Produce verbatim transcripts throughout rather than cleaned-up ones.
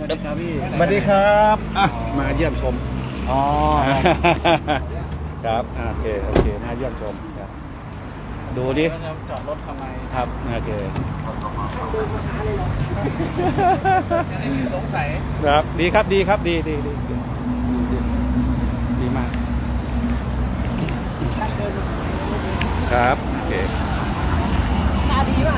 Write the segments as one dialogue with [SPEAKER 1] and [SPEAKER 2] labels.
[SPEAKER 1] ครับพี่
[SPEAKER 2] สวัสดีครับอ่ะมาเยี่ยมชม
[SPEAKER 1] อ๋อ
[SPEAKER 2] ครับโอเคโอเคมาเยี่ยมชมครับดูดิ
[SPEAKER 1] จอดรถทำไม
[SPEAKER 2] ครับโอเค
[SPEAKER 1] สงสัย
[SPEAKER 2] ครับดีครับดีครับดีดีดีดีดีมากครับโอเค
[SPEAKER 1] ตาดีมาก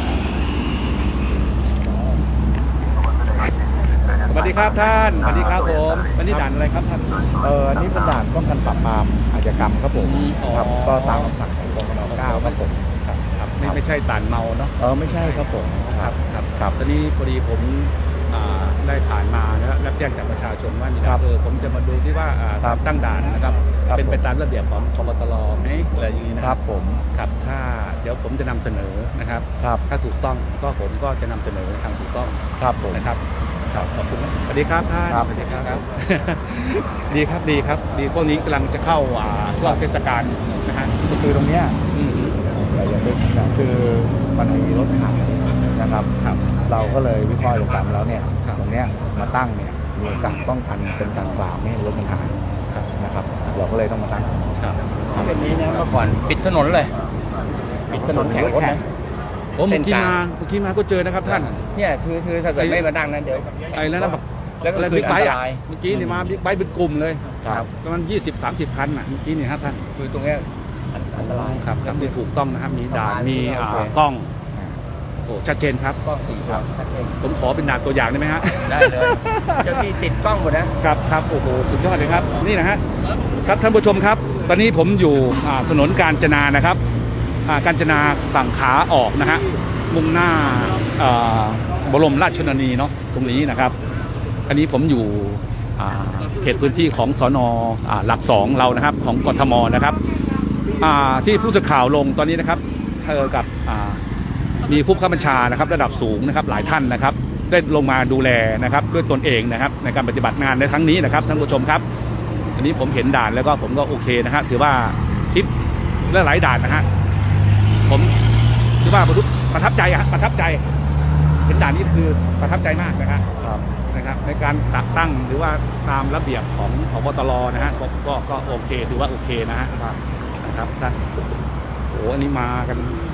[SPEAKER 2] สวัสดีครับท่านสวัสดีครับผมวันนี้ด่านอะไรครับท่าน
[SPEAKER 3] เอออันนี้เป็นด่านป้องกันปราบปรามอาชญากรรมครับผม
[SPEAKER 2] อ๋อ
[SPEAKER 3] ครับก็ตามคำสั่งของกรมนเก้าครับผม
[SPEAKER 2] ครับครับไม่ไม่ใช่ด่านเมาเนาะ
[SPEAKER 3] เออไม่ใช่ครับผม
[SPEAKER 2] ครับครับ
[SPEAKER 3] ครับ
[SPEAKER 2] ตอนนี้พอดีผมอ่าได้ผ่านมานะรับแจ้งจากประชาชนว่ามีการเออผมจะมาดูที่ว่าอ่า
[SPEAKER 3] ครับ
[SPEAKER 2] ตั้งด่านนะครับ
[SPEAKER 3] ครับ
[SPEAKER 2] เป็นไป
[SPEAKER 3] ผม
[SPEAKER 2] ตามระเบียบของพบตรไหมอะไรอย่างนี้นะ
[SPEAKER 3] ค
[SPEAKER 2] ค
[SPEAKER 3] รั
[SPEAKER 2] รั
[SPEAKER 3] บบ ผม
[SPEAKER 2] ครับถ้าเดี๋ยวผมจะนำเสนอนะครับ
[SPEAKER 3] ครับ
[SPEAKER 2] ถ้าถูกต้องก็ผมก็จะนำเสนอทางถูกต้อง
[SPEAKER 3] ครับผม
[SPEAKER 2] นะครับครับขอบคุณนะสวัสดีครับท่าน
[SPEAKER 3] ครับ
[SPEAKER 2] สวัสดีครับ ดีครับดีครับดีพวกนี้กำลังจะเข้าอ่าช่วงเทศกาลนะฮะ
[SPEAKER 3] คือตรงเนี้ย
[SPEAKER 2] อืม
[SPEAKER 3] เราอย่างที่นะคือมันมีรถขับนะครับ
[SPEAKER 2] ครับ
[SPEAKER 3] เราก็เลยวิเคราะห์ดูตามแล้วเนี่ย
[SPEAKER 2] ครับ
[SPEAKER 3] ตรงเนี้ยมาตั้งเนี่ยมีโอกาสป้องกันเป็นการปราบไม่ให้รถมันหาย
[SPEAKER 2] ครับ
[SPEAKER 3] นะครับ เราก็เลยต้องมาตั้ง
[SPEAKER 2] ครับ
[SPEAKER 1] เส้นนี้เนี่ยเมื่อก่อนปิดถนนเลย ปิดถนนแข่งรถนะ
[SPEAKER 2] โอ้เมื่อกี้
[SPEAKER 1] เส้นก
[SPEAKER 2] มา
[SPEAKER 1] ลาง
[SPEAKER 2] เมื่อกี้มาก็เจอนะครับท่าน
[SPEAKER 1] เนี่ยคือคือถ้าเกิดไม่มาดังนั้นเดี๋ยว
[SPEAKER 2] ไอ้แล้วนะแบบ
[SPEAKER 1] แล้วก็
[SPEAKER 2] อะไร
[SPEAKER 1] คือ
[SPEAKER 2] บิ๊กไบค์
[SPEAKER 1] อันต
[SPEAKER 2] อ่ะ
[SPEAKER 1] ราย
[SPEAKER 2] เมื่อกี้นี่มาบิ๊กไบค์เป็นกลุ่มเลย
[SPEAKER 3] ครับ
[SPEAKER 2] ประมาณยี่สิบสามสิบคันอ่ะเมื่อกี้นี่ครับท่าน
[SPEAKER 1] คือตรงเนี้ยอันตราย
[SPEAKER 2] ครับครับมีถูกต้องนะครับมีด่าน
[SPEAKER 1] ประมาณ
[SPEAKER 2] มี
[SPEAKER 1] นี้
[SPEAKER 2] อ่า
[SPEAKER 1] โอเค
[SPEAKER 2] กล้องโอ้ชัดเจนครับ
[SPEAKER 1] กล้องสี่ครับชัดเจน
[SPEAKER 2] ผมขอเป็นด่านตัวอย่างได้ไหมฮะ
[SPEAKER 1] ได้เลยเจ้าที่ติดกล้องหมดนะครับ
[SPEAKER 2] ครับโอ้โหสุดยอดเลยครับนี่นะฮะครับท่านผู้ชมครับ ตอนนี้ผมอยู่อ่าถนนกาญจนานะครับอ่ากาญจนาฝั่งขาออกนะฮะมุ่งหน้าอ่าบรมราชชนนีเนาะตรงนี้นะครับ อันนี้ผมอยู่อ่าเขตพื้นที่ของสนอ่าหลักสองเรานะครับของกทมนะครับอ่าที่ผู้สื่อข่าวลงตอนนี้นะครับเธอกับอ่ามีผู้บังคับบัญชานะครับระดับสูงนะครับหลายท่านนะครับ ได้ลงมาดูแลนะครับด้วยตนเองนะครับในการปฏิบัติงานในครั้งนี้นะครับท่านผู้ชมครับ อันนี้ผมเห็นด่านแล้วก็ผมก็โอเคนะครับถือว่าทิปและหลายด่านนะฮะผมถือว่าประทับใจอะประทับใจเห็นด่านนี้คือประทับใจมากนะครับ
[SPEAKER 3] ครับ
[SPEAKER 2] นะครับในการตัดตั้งหรือว่าตามระเบียบของพบตรนะฮะก็ก็ก็โอเคถือว่าโอเคนะฮะนะครับท่านโอ้อันนี้มากัน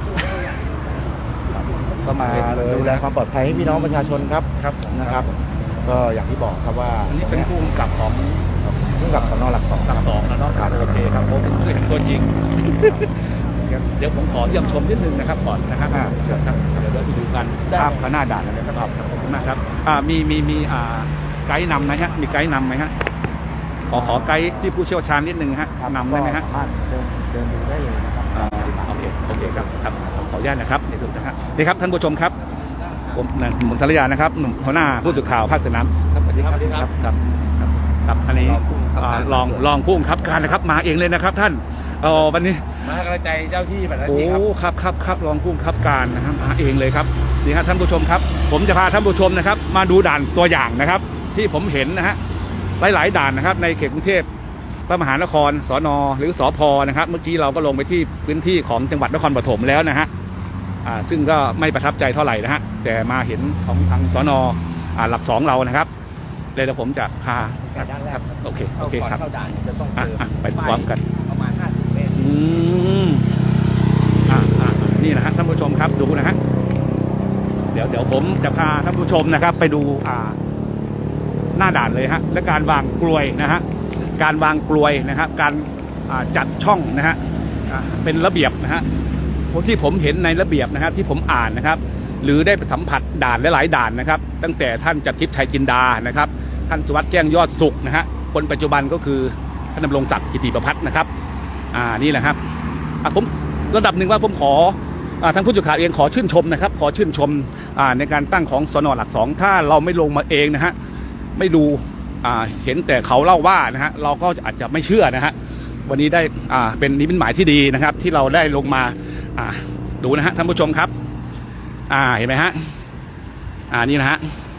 [SPEAKER 3] ก็มาดูแลความปลอดภัยให้พี่น้องประชาชนครับ
[SPEAKER 2] ครับ
[SPEAKER 3] นะครับ ก็อย่างที่บอกครับว่า
[SPEAKER 2] อันนี้เป็นผู้กำกับของ
[SPEAKER 3] ผู้กำกับสนหลักสอง
[SPEAKER 2] หลักสองแล้วเนาะครับโอเคครับผมเคยเห็นตัวจริง เดี๋ยวผมขอเยี่ยมชมนิดนึงนะครับก่อนนะครับ
[SPEAKER 3] อ่าเชิญครับ
[SPEAKER 2] เดี๋ยวเราไปดูกันภาพข้างหน้าด่านเลยนะครับขอบคุณมากครับอ่ามีมีมีอ่าไกด์นำไหมฮะมีไกด์นำไหมฮะขอขอไกด์ที่ผู้เชี่ยวชาญนิดนึงฮะนำได้ไหมฮะ
[SPEAKER 3] สามารถเดินเดินดูได้เลยนะครับ
[SPEAKER 2] อ่าโอเคโอเคครับครับขออนุญาตนะครับนี่ถูกนะครับนี่ครับท่านผู้ชมครับผมนายหมุนสารยานะครับหนุ่มหัวหน้าผู้สื่อข่าวภาคสนามครับสวัสดีครับครับครับครับครับอันนี้อ่าลองลองผู้บังคับการนะครับมาเองเลยนะครับท่านเออวันนี้
[SPEAKER 1] มาให้กำลังใจเจ้าที่แบบนั้น
[SPEAKER 2] โอ้
[SPEAKER 1] ที่ครับ
[SPEAKER 2] ครับครับครับรองผู้บังคับการนะครับมาเองเลยครับนี่ครับท่านผู้ชมครับ ผมจะพาท่านผู้ชมนะครับ มาดูด่านตัวอย่างนะครับ ที่ผมเห็นนะฮะหลายๆด่านนะครับ ในเขตกรุงเทพพระมหานครสนหรือสพนะครับ เมื่อกี้เราก็ลงไปที่พื้นที่ของจังหวัดนครปฐมแล้วนะฮะอ่าซึ่งก็ไม่ประทับใจเท่าไหร่นะฮะแต่มาเห็นของทางสนอ่าหลักสองเรานะครับเลยเดี๋ยวผมจะพาครับครับโอเคโอเคครับ
[SPEAKER 1] เข้าด่านจะต้อง
[SPEAKER 2] อ่ะ
[SPEAKER 1] เจอ
[SPEAKER 2] อ่ะไปพร้อมกัน
[SPEAKER 1] ประมาณห้าสิบเมตร
[SPEAKER 2] อืมอ่าอ่านี่นะฮะท่านผู้ชมครับดูนะฮะเดี๋ยวเดี๋ยวผมจะพาท่านผู้ชมนะครับ ไปดูอ่าหน้าด่านเลยฮะและการวางกลวยนะฮะการวางกลวยนะครับ การอ่าจัดช่องนะฮะอ่าเป็นระเบียบนะฮะที่ผมเห็นในระเบียบนะครับที่ผมอ่านนะครับ หรือได้ไปสัมผัสด่านหลายๆด่านนะครับ ตั้งแต่ท่านจักรทิพย์ชัยจินดานะครับ ท่านสุวัสด์แจ้งยอดสุขนะฮะคนปัจจุบันก็คือท่านดำรงศักดิ์กิติประภัสนะครับ อ่านี่แหละครับอ่ะผมระดับหนึ่งว่าผมขออ่าทางผู้สื่อข่าวเองขอชื่นชมนะครับ ขอชื่นชมอ่าในการตั้งของสนหลักสองถ้าเราไม่ลงมาเองนะฮะไม่ดูอ่าเห็นแต่เขาเล่าว่านะฮะเราก็อาจจะไม่เชื่อนะฮะวันนี้ได้อ่าเป็นนิมิตหมายที่ดีนะครับ ที่เราได้ลงมาอ่าดูนะฮะท่านผู้ชมครับอ่าเห็นไหมฮะอ่านี่นะฮะ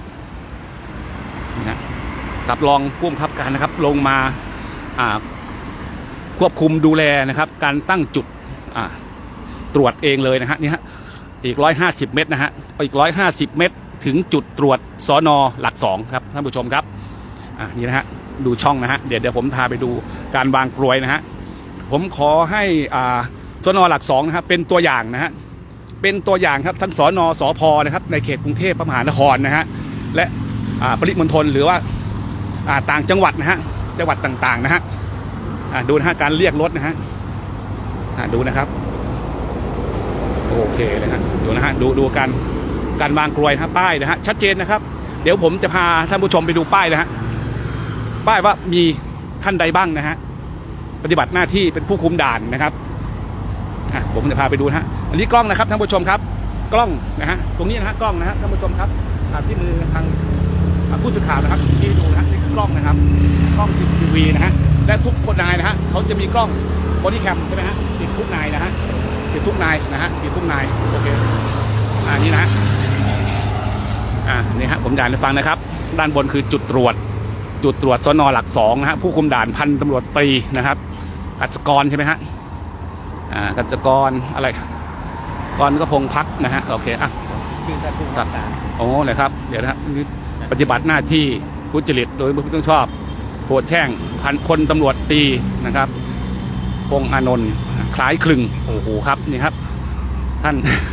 [SPEAKER 2] นี่ฮะรับรองผู้บังคับการนะครับลงมาอ่าควบคุมดูแลนะครับ การตั้งจุดอ่าตรวจเองเลยนะฮะนี่ฮะอีกร้อยห้าสิบเมตรนะฮะอีกร้อยห้าสิบเมตรถึงจุดตรวจสนหลักสองครับท่านผู้ชมครับอ่ะนี่นะฮะดูช่องนะฮะเดี๋ยวเดี๋ยวผมพาไปดูการวางกลวยนะฮะผมขอให้อ่าสนหลักสองนะครับเป็นตัวอย่างนะฮะเป็นตัวอย่างครับทั้งสนสพนะครับในเขตกรุงเทพมหานครนะฮะและอ่าปริมณฑลหรือว่าอ่าต่างจังหวัดนะฮะจังหวัดต่างๆนะฮะอ่าดูนะฮะการเรียกรถนะฮะอ่าดูนะครับโอเคเลยฮะดูนะฮะดูดูการการวางกลวยนะป้ายนะฮะชัดเจนนะครับเดี๋ยวผมจะพาท่านผู้ชมไปดูป้ายนะฮะป้ายว่ามีท่านใดบ้างนะฮะปฏิบัติหน้าที่เป็นผู้คุมด่านนะครับอ่ะผมจะพาไปดูนะฮะอันนี้กล้องนะครับท่านผู้ชมครับกล้องนะฮะตรงนี้นะฮะกล้องนะฮะท่านผู้ชมครับอ่าที่มือทางอ่าผู้สื่อข่าวนะครับที่ดูนะฮะนี่คือกล้องนะครับกล้อง ซี ซี ที วี นะฮะและทุกคนนายนะฮะเขาจะมีกล้องบอดี้แคมใช่ไหมฮะติดทุกนายนะฮะติดทุกนายนะฮะติดทุกนายโอเคอ่านี่นะฮะอ่านี่ฮะผมอ่านให้ฟังนะครับด้านบนคือจุดตรวจจุดตรวจสนหลักสองนะฮะผู้คุมด่านพันตำรวจตรีนะครับกัจจกรใช่ไหมฮะอ่ากัจจกรอะไรกรก็พงพักนะฮะโอเคอ่ะ
[SPEAKER 1] ชื่อท่านผู้ว่าการ
[SPEAKER 2] โอ้เลยครับเดี๋ยวนะฮะนี่ปฏิบัติหน้าที่ทุจริตโดยไม่ต้องชอบโปรดแช่งพันพลตำรวจตรีนะครับพงษ์อานนท์คล้ายคลึงโอ้โหครับนี่ครับท่าน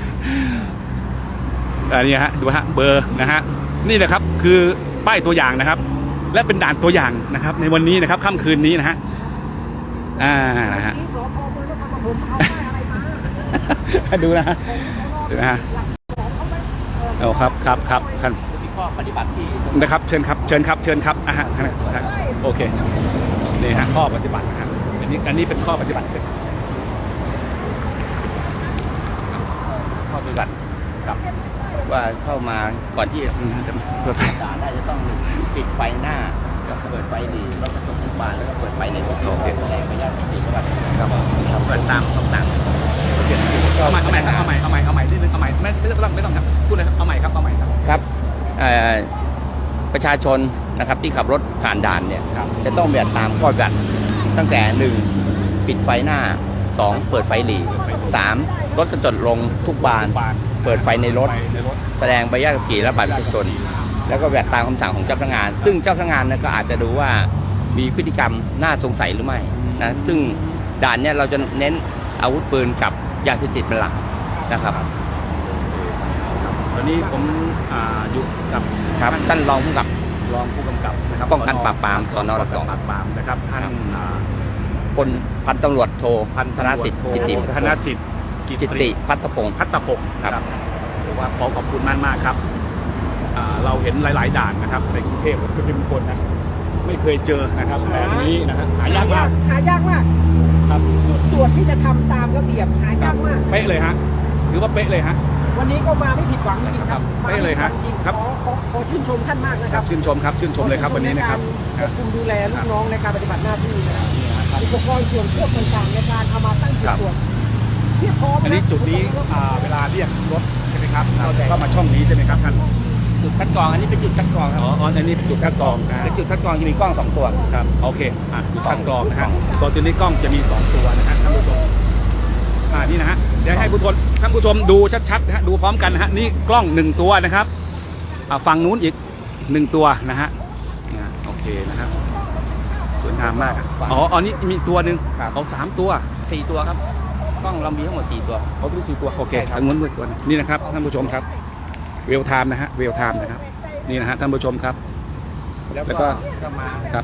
[SPEAKER 2] อันนี้ฮะดูฮะเบอร์นะฮะนี่นะครับคือป้ายตัวอย่างนะครับและเป็นด่านตัวอย่างนะครับในวันนี้นะครับค่ำคืนนี้นะฮะอ่านะฮะ ดูนะฮะดูนะฮะเอาครับครับครับท่าน
[SPEAKER 1] มีข้อปฏิบัติที่
[SPEAKER 2] นะครับเชิญครับเชิญครับเชิญครับอ่ะฮะนะฮะโอเคนี่ฮะข้อปฏิบัตินะฮะอันนี้อันนี้เป็นข้อปฏิบัติข้อปฏิบัติครับ
[SPEAKER 1] ว่าเข้ามาก่อนที่จะเปิดด่านได้จะต้องปิดไฟหน้าเปิดไฟหลีแล้วก็กระจกทุกบานแล้วก็เปิดไฟในรถโอเคแสดงไปยังสี่จังหวัดครับเปิดตามคำสั่ง
[SPEAKER 2] เอาใหม่เอาใหม่เอาใหม่เอาใหม่เอาใหม่นิดนึงเอาใหม่ไม่ไม่ต้องไม่ต้องครับพูดเลยครับเอาใหม่ครับเอาใหม่ครับ
[SPEAKER 1] ครับเอ่อประชาชนนะครับที่ขับรถผ่านด่านเนี่ยจะต้องปฏิบัติตามข้อปฏิบัติตั้งแต่หนึ่งปิดไฟหน้าสองเปิดไฟหลีสามรถกระจกลงทุกบานเปิดไฟในรถแสดงใบอนุญาตขับขี่และบัตรประชาชนแล้วก็ปฏิบัติตามคำสั่งของเจ้าพนักงาน ซึ่งเจ้าพนักงานก็อาจจะดูว่ามีพฤติกรรมน่าสงสัยหรือไม่นะซึ่งด่านเนี่ยเราจะเน้นอาวุธปืนกับยาเสพติดเป็นหลักนะครับ
[SPEAKER 2] ตอนนี้ผมอ่าอยู่กับ
[SPEAKER 1] ครับท่านรองผู้กำกับ
[SPEAKER 2] รองผู้กำกับนะครับ
[SPEAKER 1] ป้องกันปราบปรามสนหลักสอง
[SPEAKER 2] ปราบปรามนะครับท่านอ่า
[SPEAKER 1] พลพันตำรวจโทธนสิทธิ์จิตติ
[SPEAKER 2] ธนสิทธิ์
[SPEAKER 1] จิตติพัฒพงศ์
[SPEAKER 2] พัฒพงศ์
[SPEAKER 1] ครับ
[SPEAKER 2] ผมว่าขอขอบคุณมากมากๆครับอ่าเราเห็นหลาย ๆ ด่านนะครับในกรุงเทพก็เป็นคนนะไม่เคยเจอนะครับแบบนี้นะครับหายากมาก
[SPEAKER 4] หายากมาก
[SPEAKER 2] ครับ
[SPEAKER 4] จุดตรวจที่จะทำตามระเบียบหายากมาก
[SPEAKER 2] เป๊ะเลยฮะหรือว่าเป๊ะเลยฮะ
[SPEAKER 4] วันนี้ก็มาไม่ผิดหวังจริงๆครับ
[SPEAKER 2] ครับได้เลยฮะ
[SPEAKER 4] มาไม่ผิดหวังจริง
[SPEAKER 2] ครับ
[SPEAKER 4] ขอขอขอชื่นชมท่านมากนะครับ
[SPEAKER 2] ชื่นชมครับชื่นชมเลยครับวันนี้นะครับ
[SPEAKER 4] ควบคุมดูแลลูกน้องในการปฏิบัติหน้าที่นะครับอุปกรณ์ส่วนควบต่างๆในการเอามาตั้งจุดตรวจเพียบพร้อม
[SPEAKER 2] อันนี้จุดนี้อ่าเวลาเรียกรถใช่ไหมครับเราจะเข้ามาช่องนี้ใช่ไหมครับท่าน
[SPEAKER 1] จุดคัดกรองอันนี้เป็นจุดคัดกรองครับ
[SPEAKER 2] อ๋ออ๋ออันนี้เป็นจุดคัดกรองนะ
[SPEAKER 1] เป็นจุดคัดกรองจะมีกล้องสองตัว
[SPEAKER 2] ครับโอเคอ่ะจุดคัดกรองนะฮะตัวตัวนี้กล้องจะมีสองตัวนะฮะท่านผู้ชมอ่านี่นะฮะเดี๋ยวให้ผู้ชมท่านผู้ชมดูชัดๆนะฮะดูพร้อมกันนะฮะนี่กล้องหนึ่งตัวนะครับอ่าฝั่งนู้นอีกหนึ่งตัวนะฮะนะโอเคนะครับสวยงามมากอ๋ออ๋อนี่มีตัวหนึ่งเอาสามตัว
[SPEAKER 1] สี่ตัวครับกล้องเรามีทั้งหมดสี่ตัว
[SPEAKER 2] เอาตัวสี่ตัวโอเคทางนู้นด้วยตัวนึงนี่นะครับท่านผู้ชมครับเวลไทม์นะฮะเวลไทม์นะครับนี่นะฮะท่านผู้ชมครับ
[SPEAKER 1] แล้ว
[SPEAKER 2] แล้วก็
[SPEAKER 1] ก็มา
[SPEAKER 2] ครับ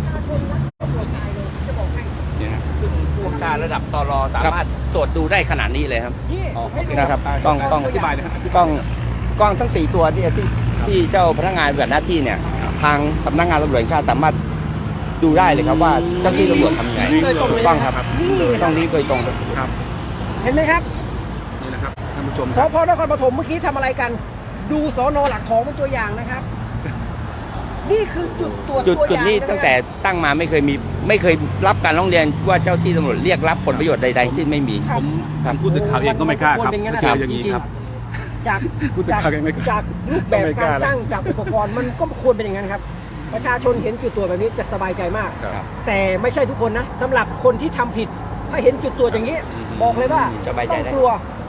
[SPEAKER 2] นี่ฮะ
[SPEAKER 1] ผู้บัญชาระดับตรสามารถตรวจดูได้ขนาดนี้เลยครับ
[SPEAKER 4] นี่
[SPEAKER 2] อ๋อโอเค
[SPEAKER 1] นะครับกล้องกล้อง
[SPEAKER 2] อธิบายเลยฮะ
[SPEAKER 1] กล้องกล้องทั้งสี่ตัวเนี่ยที่ที่เจ้าพนักงานปฏิบัติหน้าที่เนี่ยทางสำนักงานตำรวจแห่งชาติสามารถดูได้เลยครับว่าเจ้าที่ตำรวจทำยังไง
[SPEAKER 4] โดยตรงเลย
[SPEAKER 1] กล้องครับ
[SPEAKER 4] นี่
[SPEAKER 1] ต้องนี้โดยตรง
[SPEAKER 2] ครับ
[SPEAKER 4] เห็นไหมครับ
[SPEAKER 2] นี่นะครับท่านผู้ชม
[SPEAKER 4] สพนครปฐมเมื่อกี้ทำอะไรกัน ดูสนหลักของเป็นตัวอย่างนะครับ นี่คือจุดตรวจ
[SPEAKER 1] จุด
[SPEAKER 4] ตัวอ
[SPEAKER 1] จุด
[SPEAKER 4] ย่าง
[SPEAKER 1] นี้
[SPEAKER 4] ะครับ
[SPEAKER 1] ตั้งแต่ตั้งมาไม่เคยมีไม่เคยรับการร้องเรียนว่าเจ้าที่ตำรวจเรียกรับผลประโยชน์ใดๆสิ้นไม่มี
[SPEAKER 2] ผมทางผู้สื่อข่าวเองก็ไม่กล้าครับ
[SPEAKER 4] นเป็น
[SPEAKER 2] เจออย่างนี้ครับ
[SPEAKER 4] จาก
[SPEAKER 2] ผู้สื่อ
[SPEAKER 4] จาก
[SPEAKER 2] ข่าวเองไม่กล้า
[SPEAKER 4] จากรูปแบบ
[SPEAKER 2] ไม่ก
[SPEAKER 4] กา
[SPEAKER 2] ล้าร
[SPEAKER 4] ตั้งจากอุปกรณ์มันก็ควรเป็นอย่างนั้นครับ ประชาชนเห็นจุดตรวจแบบนี้จะสบายใจมาก
[SPEAKER 2] ครับ
[SPEAKER 4] แต่ไม่ใช่ทุกคนนะสำหรับคนที่ทำผิด ถ้าเห็นจุดตรวจอย่างนี้ บอกเลยว่า
[SPEAKER 1] สบายใจ
[SPEAKER 4] ต้อง
[SPEAKER 1] ได้
[SPEAKER 4] กลัว แ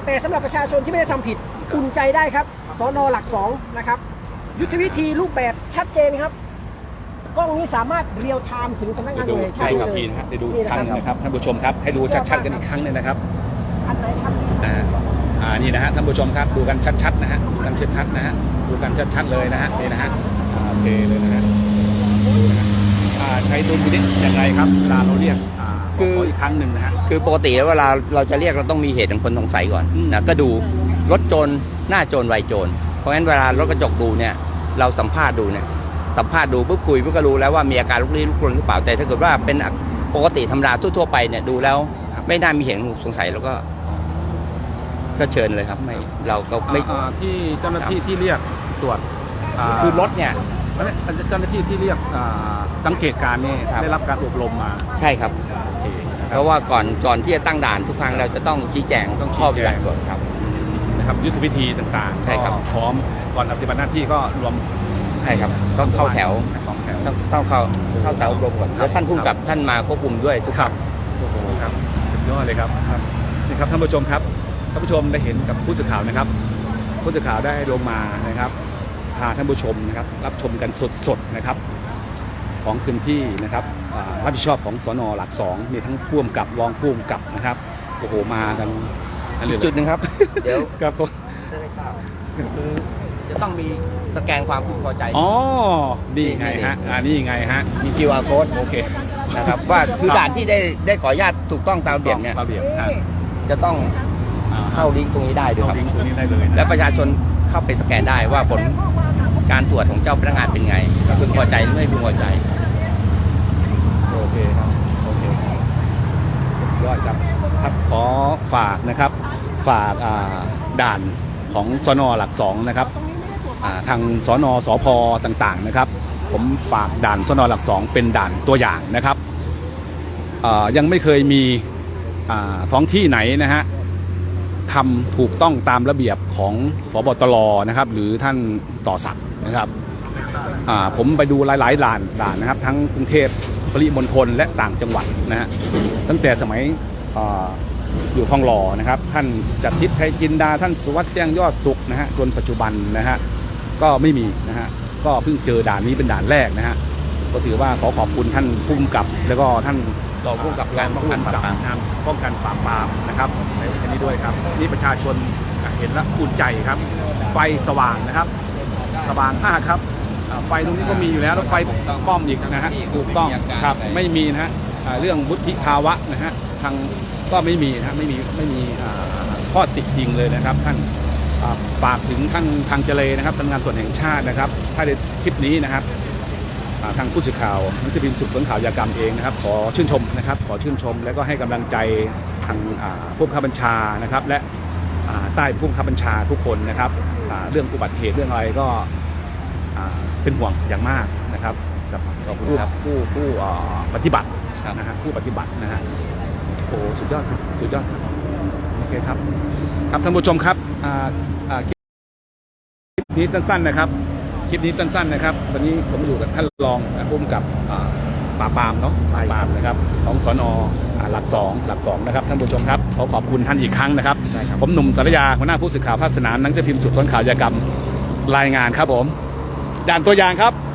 [SPEAKER 4] แต่สำหรับประชาชนที่ไม่ได้ทำผิดอุ่นใจได้ครับสน.หลักสองนะครับยุทธวิธีรูปแบบชัดเจนครับกล้องนี้สามารถเรียลไทม์ถึงสำนักงานตำรวจแห่งชา
[SPEAKER 2] ใช่
[SPEAKER 4] ติ
[SPEAKER 2] ครับ
[SPEAKER 4] เลย
[SPEAKER 2] พี่นะฮะเดี๋ยวดูอีกครั้งนะครับท่านผู้ชมครับให้ดูชัดๆกันอีกครั้งหนึงนะครับ
[SPEAKER 4] อันไหนครับ
[SPEAKER 2] อ่าอ่านี่นะฮะท่านผู้ชมครับดูกันชัดๆนะฮะดูกันชัดๆนะฮะดูกันชัดๆเลยนะฮะนี่นะฮะอ่าโอเคเลยนะฮะดูนะฮะอ่าใช้ดุลพินิจอย่างไรครับเวลาเราเรียกอ่า
[SPEAKER 1] คือ
[SPEAKER 2] ขอีกครั้งหนึ่งนะฮะ
[SPEAKER 1] คือปกติแล้วเวลาเราจะเรียกเราต้องมีเหตุของคนสงสัยก่อน
[SPEAKER 2] อืม
[SPEAKER 1] นะก็ดูรถโจรหน้าโจรวัยโจรเพราะฉะนั้นเวลารถกระจกดูเนี่ยเราสัมภาษณ์ดูเนี่ยสัมภาษณ์ดูปุ๊บคุยปุ๊บก็รู้แล้วว่ามีอาการลุกลี้ลุกลนหรือเปล่าแต่ถ้าเกิดว่าเป็นปกติธรรมดาทั่วๆไปเนี่ยดูแล้วไม่น่ามีเหตุสงสัยแล้วก็ก็เชิญเลยครับไม่เราก็ไม่
[SPEAKER 2] อ่าที่เจ้าหน้าที่ที่เรียกตรวจา
[SPEAKER 1] คือรถเนี่ย
[SPEAKER 2] เจ้าหน้าที่ที่เรียกอ่าสังเกตการณ์นี่
[SPEAKER 1] ครับ
[SPEAKER 2] ได้รับการอบรมมา
[SPEAKER 1] ใช่ครับ
[SPEAKER 2] โอเคนะค
[SPEAKER 1] เพ
[SPEAKER 2] รับ
[SPEAKER 1] ราะว่าก่อนก่อนที่จะตั้งด่านทุกครั้งเราจะต้องชี้แจง
[SPEAKER 2] ต้องชี้
[SPEAKER 1] ข้อ
[SPEAKER 2] แจง
[SPEAKER 1] ปฏิบัติก่อนครับ
[SPEAKER 2] นะครับยุทธวิธีต่างๆ
[SPEAKER 1] ใช่ครับ
[SPEAKER 2] ก็พร้อมก่อนปฏิบัติหน้าที่ก็รวม
[SPEAKER 1] ใช่ครับต้องเข้าแถว
[SPEAKER 2] สองแถว
[SPEAKER 1] ต้องต้องเข้าเข้าแถวอบรมก่อน
[SPEAKER 2] ครับ
[SPEAKER 1] แล้วท่านผู้กำกับท่านมาควบคุมด้วยทุก
[SPEAKER 2] ครับโอ้โหครับสุดยอดเลยครับครับนี่ครับท่านผู้ชมครับท่านผู้ชมได้เห็นกับผู้สื่อข่าวนะครับ ผู้สื่อข่าวได้ลงมานะครับพาท่านผู้ชมนะครับรับชมกันสดๆนะครับของพื้นที่นะครับอ่ารับผิดชอบของสน.หลักสองมีทั้งผู้กำกับรองผู้กำกับนะครับโอ้โหมากันนั่นเลย
[SPEAKER 1] จุดหนึ่งครับ เดี๋ยว
[SPEAKER 2] ครับผม
[SPEAKER 1] คือจะต้องมีสแกนความพึงพอใจ
[SPEAKER 2] อ๋อนี่ไงฮะอ่านี่ไงฮะ
[SPEAKER 1] มี คิว อาร์ code
[SPEAKER 2] โอเค
[SPEAKER 1] นะครับว่าคือด่านที่ได้ได้ขออนุญาตถูกต้องตามระเบียบเนี่ย
[SPEAKER 2] ระเบียบฮะ
[SPEAKER 1] จะต้อง
[SPEAKER 2] อ่า
[SPEAKER 1] เข้าลิงก์ตรงนี้ได้ด้วยค
[SPEAKER 2] เข้า
[SPEAKER 1] รับ
[SPEAKER 2] ลิงก์ตัวนี้ได้เลยนะ
[SPEAKER 1] และประชาชนเข้าไปสแกนได้ว่าผลการตรวจของเจ้าพนักงานเป็นไงพึงพอใจหรือไม่พึงพอใจ
[SPEAKER 2] โอเคครับโอเคยอดครับครับขอฝากนะครับฝากอ่าด่านของสน.หลักสองนะครับอ่าทางสน.สพต่างๆนะครับ ผมฝากด่านสน.หลักสองเป็นด่านตัวอย่างนะครับอ่ายังไม่เคยมีอ่าท้องที่ไหนนะฮะทำถูกต้องตามระเบียบของผบ.ตร.นะครับหรือท่านต่อศักดิ์นะครับอ่าผมไปดูหลายๆด่านด่านนะครับทั้งกรุงเทพปริมณฑลและต่างจังหวัดนะฮะตั้งแต่สมัยอ่าอยู่ทองหล่อนะครับท่านจัดทิพย์ไทยจินดาท่านสุวัสดิ์แจ้งยอดสุขนะฮะจนปัจจุบันนะฮะก็ไม่มีนะฮะก็เพิ่งเจอด่านนี้เป็นด่านแรกนะฮะก็ถือว่าขอขอบคุณท่านผู้กำกับแล้วก็ท่าน
[SPEAKER 1] รองผู้กำกับการป้องกันปราบปราม
[SPEAKER 2] นะครับป้องกันปราบปรามนะครับในวันนี้ด้วยครับนี่ประชาชนเห็นแล้วอุ่นใจครับ ไฟสว่างนะครับ สว่างมากครับอ่าไฟตรงนี้ก็มีอยู่แล้วแล้วไฟป้อมอีกนะฮะถูกต้องครับไม่มีนะฮะอ่าเรื่องวุฒิภาวะนะฮะทางก็ไม่มีนะฮะไม่มีไม่มีอ่าข้อติดยิงเลยนะครับท่านอ่าฝากถึงท่านทางเจเลนะครับทำงานตรวจแห่งชาตินะครับ ถ้าในคลิปนี้นะครับอ่าทางผู้สื่อข่าวหนังสือพิมพ์สืบสวนข่าวยากรรมเองนะครับ ขอชื่นชมนะครับ ขอชื่นชม แล้วก็ให้กำลังใจทางอ่าผู้บังคับบัญชานะครับ และอ่าใต้ผู้บังคับบัญชาทุกคนนะครับอ่าเรื่องอุบัติเหตุเรื่องอะไรก็อ่าเป็นห่วงอย่างมากนะครับกับผู้ผู้ผู้อ่าปฏิบัตินะฮะผู้ปฏิบัตินะฮะโอ้สุดยอดครับสุดยอดครับโอเคครับครับท่านผู้ชมครับอ่าอ่าคลิปนี้สั้นๆนะครับ คลิปนี้สั้นๆนะครับวันนี้ผมอยู่กับท่านรองผู้กำกับอ่าปราบปรามเนาะปราบปรามนะครับของสน.อ่าหลักสองหลักสองนะครับท่านผู้ชมครับขอขอบคุณท่านอีกครั้งนะครับผมหนุ่มสารยาหัวหน้าผู้สื่อข่าวภาคสนามหนังสือพิมพ์สืบสวนข่าวยากรรมรายงานครับผมด่านตัวอย่างครับ